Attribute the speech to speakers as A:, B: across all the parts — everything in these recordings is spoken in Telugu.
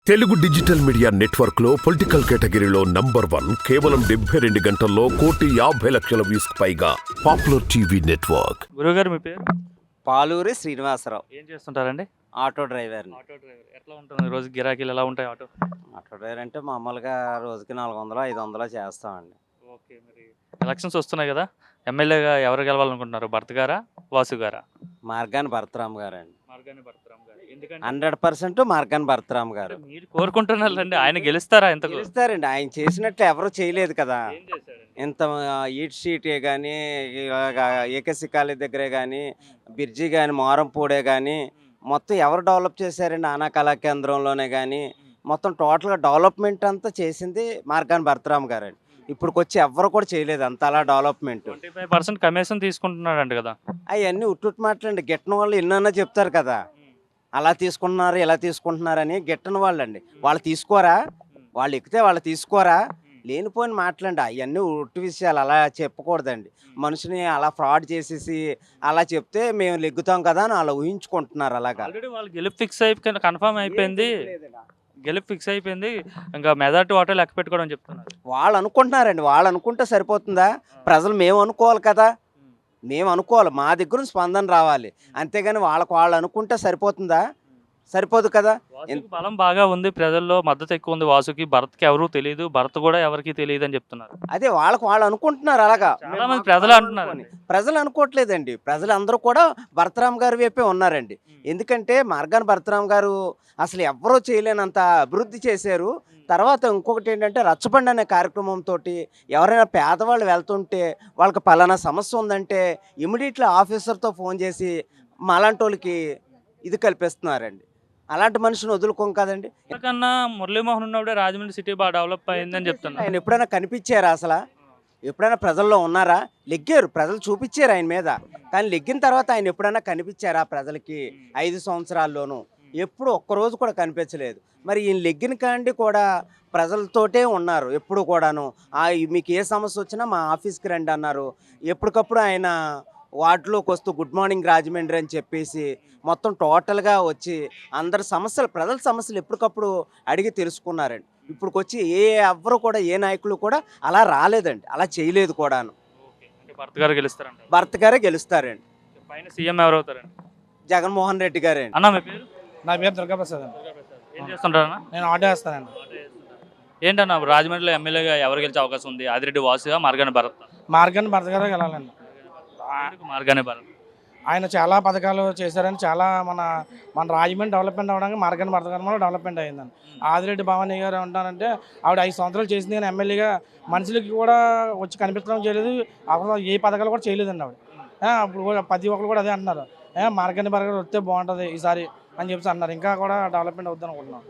A: తెలుగు డిజిటల్ మీడియా నెట్వర్క్ లో పొలిటికల్ కేటగిరీలో నంబర్ 1 కేవలం 72 గంటల్లో 1,50,00,000 వ్యూస్ పైగా పాపులర్ టీవీ నెట్వర్క్.
B: గురుగారు మీ పేరు?
C: పాలూరి శ్రీనివాసరావు.
B: ఏం చేస్తుంటారండి?
C: ఆటో డ్రైవర్ని.
B: Auto driver. ఎట్లా ఉంటుంది రోజు గిరాకీలు ఎలా ఉంటాయి ఆటో?
C: ఆటో డ్రైవర్ అంటే మామూలుగా రోజుకి 400, 500 చేస్తామండి.
B: ఓకే. మరి ఎలక్షన్స్ వస్తున్నాయి కదా, ఎమ్మెల్యేగా ఎవరు గెలవాలనుకుంటున్నారు? భర్త గారా, వాసు గారా?
C: మార్గాని భరతరామ్ గారండి.
B: మార్గాని భరతరామ్ గారు. ఎందుకంటే
C: 100% మార్గాని భరతరామ్ గారు.
B: మీరు కోరుకుంటున్నారండి, ఆయన గెలుస్తారా? ఎంతకు
C: గెలుస్తారండి. ఆయన చేసినట్లు ఎవరు చేయలేదు కదా.
B: ఏం చేశాడండి?
C: ఇంత ఈట్ షీటే కానీ, ఏకశిఖాలి దగ్గరే కానీ, బిర్జీ కానీ, మోరంపూడే కానీ మొత్తం ఎవరు డెవలప్ చేశారండి? ఆనా కళా కేంద్రంలోనే కానీ మొత్తం టోటల్గా డెవలప్మెంట్ అంతా చేసింది మార్గాని భరతరామ్ గారండి. ఇప్పుడుకొచ్చి ఎవరు కూడా చేయలేదు అంత అలా డెవలప్మెంట్.
B: 25% కమిషన్ తీసుకుంటున్నాడంట కదా.
C: అవన్నీ ఉట్టుట్టు మాటలండి. గిట్టని వాళ్ళు ఎన్నన్నా చెప్తారు కదా, అలా తీసుకుంటున్నారు ఇలా తీసుకుంటున్నారని. గిట్టని వాళ్ళండి, వాళ్ళు తీసుకోరా, వాళ్ళు ఎక్కితే వాళ్ళు తీసుకోరా, లేనిపోయిన మాటలండి. అవన్నీ ఉట్టు విషయాలు, అలా చెప్పకూడదండి. మనిషిని అలా ఫ్రాడ్ చేసేసి అలా చెప్తే మేము లెగ్గుతాం కదా అని అలా ఊహించుకుంటున్నారు. అలాగా
B: ఆల్రెడీ వాళ్ళు గెలుపు ఫిక్స్ అయిపోయి కన్ఫర్మ్ అయిపోయింది, గెలుపు ఫిక్స్ అయిపోయింది. ఇంకా మెజార్టీ ఓటే లెక్క పెట్టుకోవడం చెప్తున్నారు.
C: వాళ్ళు అనుకుంటున్నారండి. వాళ్ళు అనుకుంటే సరిపోతుందా? ప్రజలు మేము అనుకోవాలి కదా, మేము అనుకోవాలి, మా దగ్గర స్పందన రావాలి. అంతేగాని వాళ్ళు అనుకుంటే సరిపోతుందా? సరిపోదు కదా.
B: వాసుకి బలం బాగా ఉంది, ప్రజల్లో మద్దతు ఎక్కువ ఉంది వాసుకి. భరత్కి ఎవరు తెలియదు, భరత్ కూడా ఎవరికి తెలియదు అని చెప్తున్నారు.
C: అదే వాళ్ళు అనుకుంటున్నారు. అలాగా
B: చాలా మంది ప్రజలు అంటున్నారు.
C: ప్రజలు అనుకోవట్లేదండి. ప్రజలు అందరూ కూడా భరతరామ్ గారి వైపే ఉన్నారండి. ఎందుకంటే మార్గాని భరతరామ్ గారు అసలు ఎవరో చేయలేనంత అభివృద్ధి చేశారు. తర్వాత ఇంకొకటి ఏంటంటే రచ్చబండి అనే కార్యక్రమంతో ఎవరైనా పేదవాళ్ళు వెళ్తుంటే వాళ్ళకి పలానా సమస్య ఉందంటే ఇమీడియట్లీ ఆఫీసర్తో ఫోన్ చేసి మాలాంటి వాళ్ళకి ఇది కల్పిస్తున్నారండి. అలాంటి మనిషిని వదులుకోం కదండి.
B: కన్నా మురళీమోహన్ ఉన్నప్పుడే రాజమండ్రి సిటీ బాగా డెవలప్ అయిందని చెప్తున్నారు.
C: ఆయన ఎప్పుడైనా కనిపించారా? అసలు ఎప్పుడైనా ప్రజల్లో ఉన్నారా? లెగ్గారు, ప్రజలు చూపించారు ఆయన మీద. కానీ లెగ్గిన తర్వాత ఆయన ఎప్పుడైనా కనిపించారా ప్రజలకి? 5 సంవత్సరాల్లోనూ ఎప్పుడు ఒక్కరోజు కూడా కనిపించలేదు. మరి ఈయన లెగ్గిన కాండి కూడా ప్రజలతోటే ఉన్నారు ఎప్పుడు కూడాను. మీకు ఏ సమస్య వచ్చినా మా ఆఫీస్కి రండి అన్నారు. ఎప్పటికప్పుడు ఆయన వార్డులోకి వస్తూ గుడ్ మార్నింగ్ రాజమండ్రి అని చెప్పేసి మొత్తం టోటల్గా వచ్చి అందరి సమస్యలు, ప్రజల సమస్యలు ఎప్పటికప్పుడు అడిగి తెలుసుకున్నారండి. ఇప్పుడుకొచ్చి ఎవ్వరు కూడా, ఏ నాయకులు కూడా అలా రాలేదండి, అలా చేయలేదు కూడాను.
B: భరత్ గారు గెలుస్తారంట.
C: భరత్ గారే గెలుస్తారండి.
B: పైన సీఎం ఎవరు అవుతారండి?
C: జగన్మోహన్ రెడ్డి గారండి.
B: అన్న మీ పేరు?
D: నా పేరు దుర్గాప్రసాద్ అండి.
B: ఏం చేస్తుంటారన్నా?
D: నేను ఆటో వేస్తానండి.
B: ఏంటన్నా రాజమండ్రిలో ఎమ్మెల్యేగా ఎవరు గెలిచే అవకాశం ఉంది? ఆదిరెడ్డి వాసుగా, మార్గాని భరత్?
D: మార్గాని భరత్ గారే వెళ్ళాలండి.
B: మార్గాని భరత్
D: ఆయన చాలా పథకాలు చేశారని, చాలా మన రాజమండ్రి డెవలప్మెంట్ అవ్వడానికి మార్గాని భరత్ గారు డెవలప్మెంట్ అయ్యిందండి. ఆదిరెడ్డి భవానీ గారు ఉంటారంటే ఆవిడ 5 సంవత్సరాలు చేసింది, కానీ ఎమ్మెల్యేగా మనుషులకి కూడా వచ్చి కనిపించడం చేయలేదు. అప్పుడు ఏ పథకాలు కూడా చేయలేదండి ఆవిడ. అప్పుడు ప్రతి ఒక్కరు కూడా అదే అంటున్నారు, మార్గాని భరత్ గారు వస్తే బాగుంటుంది ఈసారి అని చెప్పి అన్నారు. ఇంకా కూడా డెవలప్మెంట్ అవుద్ది అనుకుంటున్నాం.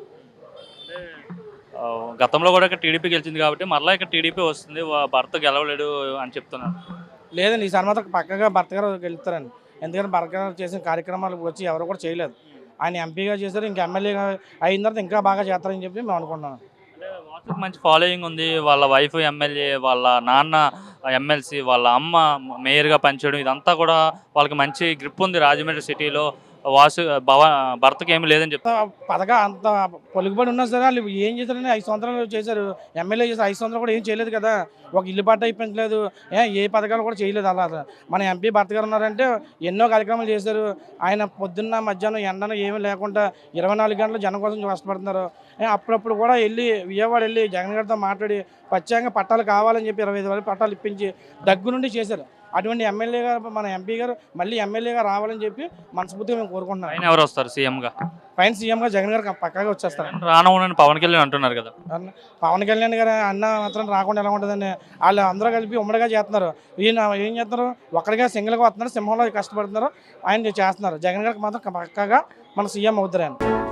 B: గతంలో కూడా ఇక్కడ టీడీపీ గెలిచింది కాబట్టి మరలా ఇక్కడ టీడీపీ వస్తుంది, భర్త గెలవలేడు అని చెప్తున్నారు.
D: లేదండి, ఈసారి మాత్రం పక్కగా భర్త గారు గెలుస్తారండి. ఎందుకంటే భరత్ గారు చేసిన కార్యక్రమాలు వచ్చి ఎవరు కూడా చేయలేదు. ఆయన ఎంపీగా చేశారు, ఇంకా ఎమ్మెల్యేగా అయిన తర్వాత ఇంకా బాగా చేస్తారని చెప్పి మేము అనుకుంటున్నాం.
B: వాసుకి మంచి ఫాలోయింగ్ ఉంది. వాళ్ళ వైఫ్ ఎమ్మెల్యే, వాళ్ళ నాన్న ఎమ్మెల్సీ, వాళ్ళ అమ్మ మేయర్గా పనిచేయడం, ఇదంతా కూడా వాళ్ళకి మంచి గ్రిప్ ఉంది రాజమండ్రి సిటీలో. వాసు భర్తకి ఏమి లేదని చెప్తా.
D: పథకా అంత పొలుగుబడి ఉన్నా సరే వాళ్ళు ఏం చేశారని 5 సంవత్సరాలు చేశారు. ఎమ్మెల్యే చేశారు, 5 సంవత్సరాలు కూడా ఏం చేయలేదు కదా. ఒక ఇల్లు పట్ట ఇప్పించలేదు, ఏ పథకాలు కూడా చేయలేదు. అలా మన ఎంపీ భర్త గారు ఉన్నారంటే ఎన్నో కార్యక్రమాలు చేశారు. ఆయన పొద్దున్న మధ్యాహ్నం ఎండను ఏమీ లేకుండా 24 గంటలు జనం కోసం కష్టపడుతున్నారు. అప్పుడప్పుడు కూడా వెళ్ళి విజయవాడ వెళ్ళి జగన్ గారితో మాట్లాడి ప్రత్యేకంగా పట్టాలు కావాలని చెప్పి 25,000 పట్టాలు ఇప్పించి దగ్గర నుండి చేశారు. అటువంటి ఎమ్మెల్యే గారు, మన ఎంపీ గారు మళ్ళీ ఎమ్మెల్యేగా రావాలని చెప్పి మనస్ఫూర్తిగా మేము కోరుకుంటున్నాం.
B: ఆయన ఎవరు వస్తారు సీఎంగా?
D: పైన సీఎంగా జగన్ గారు పక్కాగా వచ్చేస్తారు.
B: రానవునని పవన్ కళ్యాణ్ అంటున్నారు కదా.
D: పవన్ కళ్యాణ్ గారు అన్న మాత్రం రాకుండా ఎలా ఉంటుందండి? వాళ్ళు అందరూ కలిపి ఉమ్మడిగా చేస్తున్నారు. ఈయన ఏం చేస్తున్నారు? ఒక్కడిగా సింగిల్గా వస్తున్నారు, సింహంలో కష్టపడుతున్నారు, ఆయన చేస్తున్నారు. జగన్ గారికి మాత్రం పక్కాగా మన సీఎం అవుతారు ఆయన.